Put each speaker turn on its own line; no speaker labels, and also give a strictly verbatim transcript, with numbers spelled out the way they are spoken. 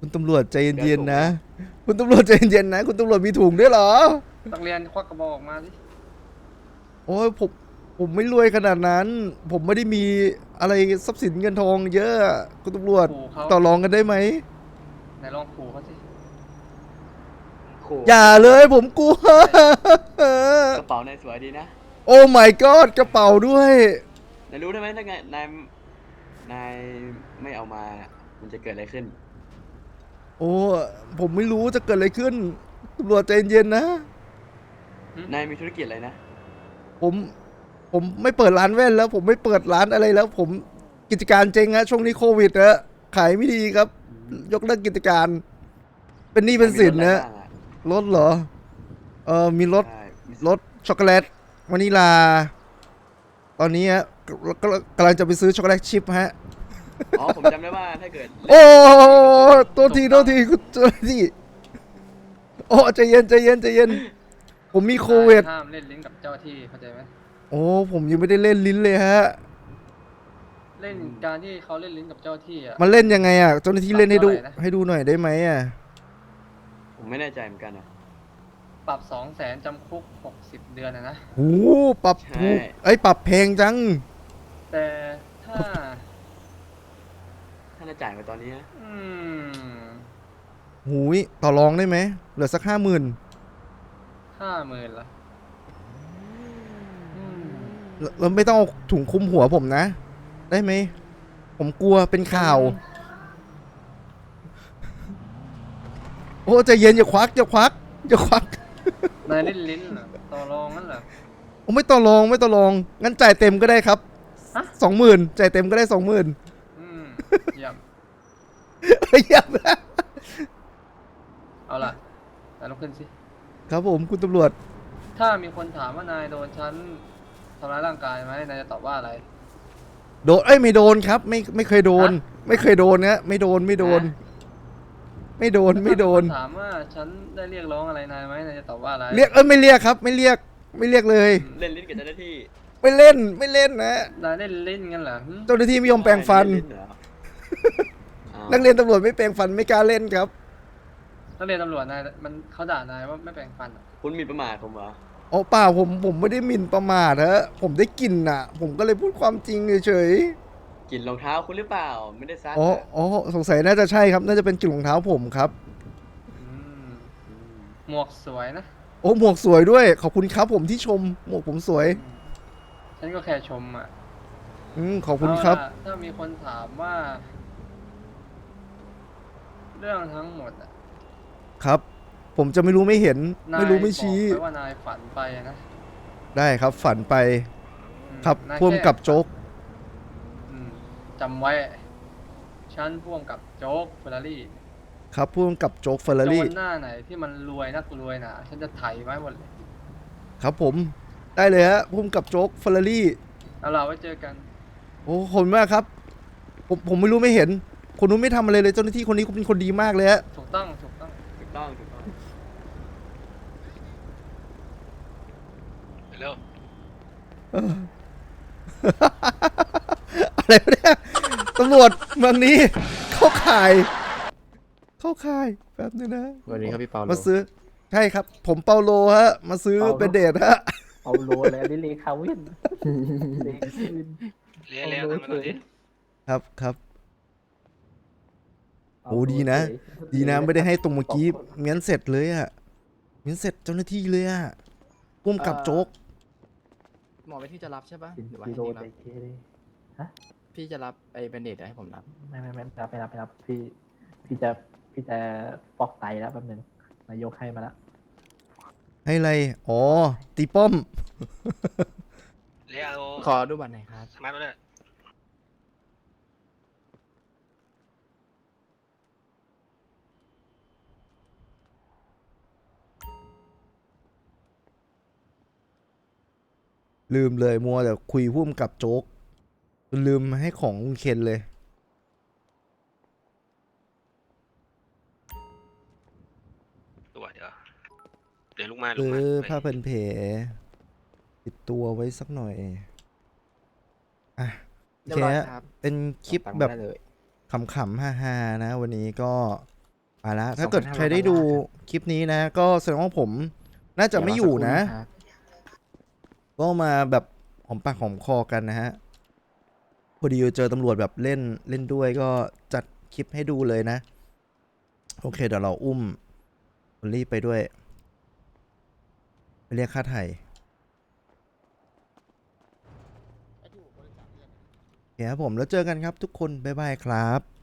คุณตำรวจใจเย็นๆนะคุณตำรวจใจเย็นๆนะคุณตำรวจมีถุงด้วยเหรอ
นักเรียนควักกระบอกออกมาสิ
โอ้ยผมผมไม่รวยขนาดนั้น ผมไม่ได้มีอะไรทรัพย์สินเงินทองเยอะคุณตำรวจ
ขู่เขา
ต่อรองกันได้ไหม
ไหนลองขู่เขาสิ
ขู่
อย่าเลยผมกลัว
กระเป๋านายสวยดีนะ
โอ้ my god กระเป๋าด้วย
นายรู้ได้ไหมถ้าไงนายนายไม่เอามาน่ะมันจะเกิดอะไรขึ้น
โอ้ผมไม่รู้จะเกิดอะไรขึ้นตำรวจใจเย็นๆนะ
นายมีธุรกิจอะไรนะ
ผมผมไม่เปิดร้านแว่นแล้ว ผมไม่เปิดร้านอะไรแล้ว ผมกิจการเจ๊งฮะช่วงนี้โควิดนะขายไม่ดีครับ ยกเลิกกิจการ เป็นหนี้เป็นสินนะรถเหรอเออมีรถ
ใช่มี
รสช็อกโกแลตวานิลา ตอนนี้ฮะกกำลังจะไปซื้อช็อกโกแลตชิพฮะ
อ๋อผมจำได้ว่าถ้าเกิด
โอ้ตัวทีตัวทีคุณตัวทีโอ้ใจเย็นใจเย็นใจเย็น ผมมีโควิด
ห้ามเล่นลิ้นกับเจ้าที่เข้าใจไหม
โอ้ผมยังไม่ได้เล่นลิ้นเลยฮะ
เล่นการที่เขาเล่นลิ้นกับเจ้าที่อ่ะ
มันเล่นยังไงอ่ะเจ้าหน้าที่เล่นให้ดู
ปรับเท่าไหร่นะ
ให้ดูหน่อยได้ไหมอ่ะ
ผมไม่แน่ใจเหมือนกันนะ
ปรับสองแสนจำคุกหกสิบเดือนนะนะ
โอ้ปรับถูกไอ้ยปรับแพงจัง
แต่ถ้า
ถ้าจะจ่ายมาตอนนี้นะ
อืม
หูยต่อรองได้ไหมเหลือสักห้าหมื่น
ห้าหมื่นละอืม
เราไม่ต้องเอาถุงคลุมหัวผมนะ ได้ไหมผมกลัวเป็นข่าว โอ้ใจเย็นอย่าควักอย่าควักอย่าควัก
นายเล่นลิ้นเหรอต่อรองงั้นเหรอ
โอ้ไม่ต่อรองไม่ต่อรองงั้นจ่ายเต็มก็ได้ครับ
ฮะ
สองหมื่นจ่ายเต็มก็ได้สองหมื่น
อืมเยี่ยม
เยี่ยมนะ
เอาล่ะนายลุกขึ้นสิ
ครับผมคุณตำรวจ
ถ้ามีคนถามว่านายโดนฉันทำร้ายร่างกายไหมนายจะตอบว่าอะไร
โดนเอ้ยไม่โดนครับ ไม่ไม่เคยโดน
ฮะ
ไม่เคยโดนนะไม่โดนไม่โดน ไม่โดนไม่โดน
ถ้ามีคถามว่าฉันได้เรียกร้องอะไรนายไหมนายจะตอบว่าอะไร
เรียกเอ้ยไม่เรียกครับ ไม่เรียกไม่เรียกเลย
เล่นลิ้นกับเจ้าหน้าที่
ไม่เล่นไม่เล่นนะ
นายเล่นลิ้นงั้นเหรอหึ
เจ้าหน้าที่ไม่ยอมแปรงฟัน
เล่ลิ้เหรออ้าว
นักเรียนตำรวจไม่แปรงฟันไม่กล้าเล่นครับ
นักเรียนตำรวจนายมันเขาด่านายว่าไม่แปรงฟันอะ
คุณหมีประมาทผมเหรอ
โอ้เปล่าผมผมไม่ได้หมิ่นประมาทฮะผมได้กลิ่นอ่ะ ผมก็เลยพูดความจริงเฉย
กลิ่นรองเท้าคุณหรือเปล่า ไม่ได้ซัก
ๆอ๋อ
อะ
อ๋อสงสัยน่าจะใช่ครับ น่าจะเป็นกลิ่นรองเท้าผมครับ
อืม
อืม
หมวกสวยนะ
โอ้หมวกสวยด้วยขอบคุณครับผมที่ชมหมวกผมสวย
อืมฉันก็แค่ชมอ่ะ
อืมขอบคุณครับ
เอาล่ะถ้ามีคนถามว่า เรื่องทั้งหมดอะ
ครับ ผมจะไม่รู้ไม่เห็น
นาย
ไม่รู้ไม่ชี้
บอกไว้ว่านายฝันไปนะ
ได้ครับฝันไป
อืม
ครับ
นาย
พ่วง
แค่
กับโจ๊ก
อืมจำไว้ ฉันพ่วงกับโจ๊กเฟอร์รารี่
ครับพ่วงกับโจ๊กเฟอร์
โจ
รารี่
รหน้าไหนที่มันรวยนักรวยหนาฉันจะไถไว้หมดเลย
ครับผมได้เลยฮะพ่วงกับโจ๊กเฟอร์รารี่
เอาล่ะไว้เจอกัน
โอ้ขอบคุณมากครับ ผมผมไม่รู้ไม่เห็น คนนู้นไม่ทำอะไรเลยเจ้าหน้าที่คนนี้เขาเป็นคนดีมากเลยฮะ
ถูกต้องถูกต้อง
ถูกต้องถูกต้อง
เร็ว
อะไรวะเนี่ยตำรวจเมืองนี้ เข้าข่าย เข้าข่ายแป๊บนึงนะ
สวัสดีครับพี่เปาโล
มาซื้อใช่ครับ ผมเปาโลฮะ มาซื้อ
เปาโล
เป็นเดทฮะ
เอาโลแล้วนี่เลคาวินเลคาวิน
เลี้ยเลี้ยทำมาหน่อยดิ
ครับครับ
เอา
โอ้ดีนะ
เฉย
ดีนะไม่ได้ให้ตรงเมื่อกี้งั้นเสร็จเลยอะงั้นเสร็จเจ้าหน้าที่เลยอะพุ่มกับโจ๊ก
หมอเป็นที่จะรับใช่ปะ
กิน
หรือว่า
กิ
ให้
โล
พี่
ใจ
รับ
เคเลย
พี่จะรับไอ้เบนเดตให้ผมรับ
ไม่ไม่ไม่ไม่รับไม่รับไม่รับพี่พี่จะพี่จะฟอกไตแล้วแป๊บนึงนายกให้มาแล้ว
ให้อะไรอ๋อตีป้อม
เรียก
ขอดูบัตรหน่อยครับ
สมาร์ทมาเลย
ลืมเลยมัวแต่คุยพุ่มกับโจ๊กจนลืมให้ของลุงเคนเลย
ตัวเดี๋ยวเดี๋ยวลุกมาลุ
เอก
มา
อ
ไป
ผ้าพันแผลติดตัวไว้สักหน่อยอ่ะโอ
เรีย
เค
บร้อย
ฮะ
ครับ
เป็นคลิป
ตังค์
แบบ
ได้เลย
ขำๆฮาๆนะ วันนี้ก็มาแล้วถ้าเกิดใครได้ดูคลิปนี้นะ ก็แสดงว่าผมน่าจะไม่อยู่นะ
เดี๋วรสักครู่ครับ
ก็มาแบบหอมปากหอมคอกันนะฮะ พอดีเจอตำรวจแบบเล่นเล่นด้วยก็จัดคลิปให้ดูเลยนะ โอเคเดี๋ยวเราอุ้มคนรีบไปด้วย ไปเรียกค่าไถ่โอเคครับผมแล้วเจอกันครับทุกคน บ๊ายบายครับ